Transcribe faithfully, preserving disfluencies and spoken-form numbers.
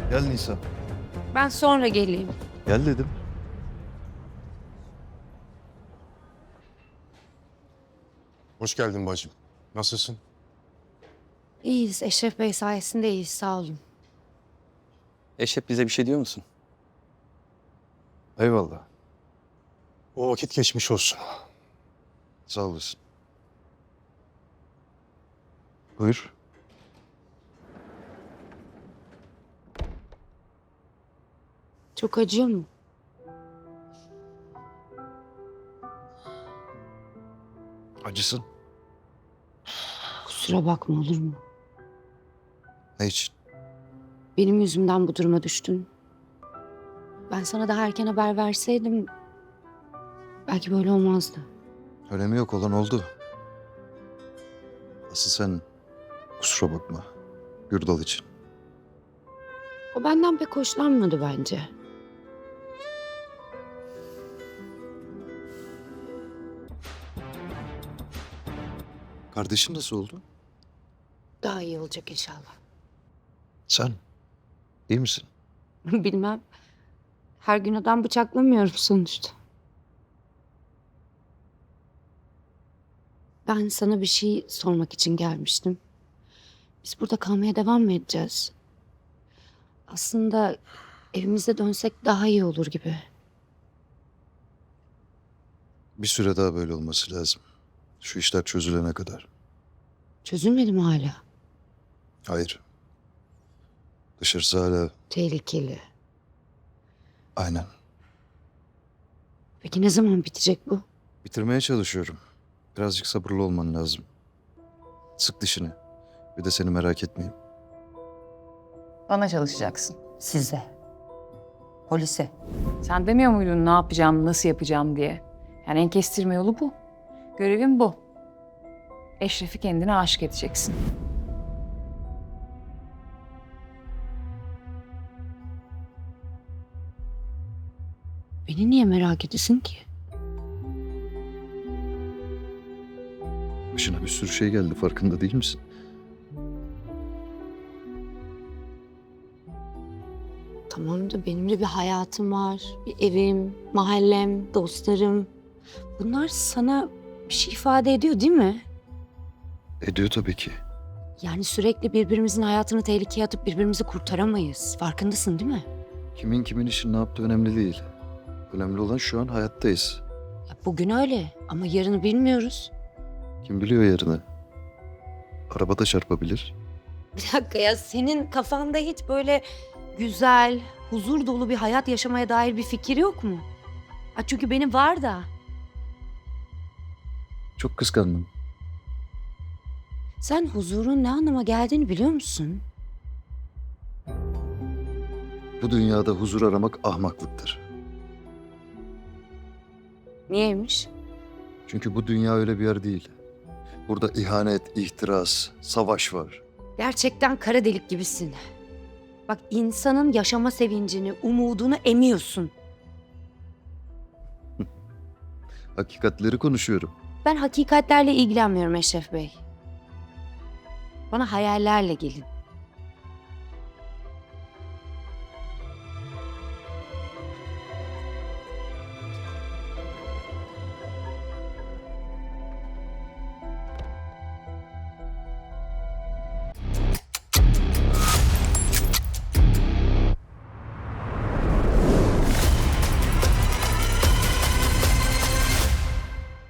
Gel Nisan. Ben sonra geleyim. Gel dedim. Hoş geldin bacım. Nasılsın? İyiyiz. Eşref Bey sayesinde iyiyiz. Sağ olun. Eşref bize bir şey diyor musun? Eyvallah. O vakit geçmiş olsun. Sağ olasın. Buyur. Çok acıyor mu? Acısın. Kusura bakma, olur mu? Ne için? Benim yüzümden bu duruma düştün. Ben sana daha erken haber verseydim belki böyle olmazdı. Önemi yok, olan oldu. Asıl sen kusura bakma. Gürdal için. O benden pek hoşlanmadı bence. Kardeşin nasıl oldu? Daha iyi olacak inşallah. Sen iyi misin? Bilmem. Her gün adam bıçaklamıyorum sonuçta. Ben sana bir şey sormak için gelmiştim. Biz burada kalmaya devam mı edeceğiz? Aslında evimize dönsek daha iyi olur gibi. Bir süre daha böyle olması lazım. Şu işler çözülene kadar. Çözülmedi mi hala? Hayır. Dışarısı hala Tehlikeli. aynen. Peki ne zaman bitecek bu? Bitirmeye çalışıyorum. Birazcık sabırlı olman lazım. Sık dişini. Bir de seni merak etmeyeyim. Bana çalışacaksın. Size. Polise. Sen demiyor muydun ne yapacağım, nasıl yapacağım diye? Yani en kestirme yolu bu. Görevin bu. Eşref'i kendine aşık edeceksin. Beni niye merak edesin ki? Başına bir sürü şey geldi, farkında değil misin? Tamam da benim de bir hayatım var. Bir evim, mahallem, dostlarım. Bunlar sana bir şey ifade ediyor değil mi? Ediyor tabii ki. Yani sürekli birbirimizin hayatını tehlikeye atıp birbirimizi kurtaramayız. Farkındasın değil mi? Kimin kimin için ne yaptığı önemli değil. Önemli olan şu an hayattayız. Ya bugün öyle ama yarını bilmiyoruz. Kim biliyor yarını? Araba da çarpabilir. Bir dakika ya, senin kafanda hiç böyle güzel, huzur dolu bir hayat yaşamaya dair bir fikir yok mu? Ha, çünkü benim var da. Çok kıskandım. Sen huzurun ne anlama geldiğini biliyor musun? Bu dünyada huzur aramak ahmaklıktır. Niyeymiş? Çünkü bu dünya öyle bir yer değil. Burada ihanet, ihtiras, savaş var. Gerçekten kara delik gibisin. Bak, insanın yaşama sevincini, umudunu emiyorsun. Hakikatleri konuşuyorum. Ben hakikatlerle ilgilenmiyorum Eşref Bey. Bana hayallerle gelin.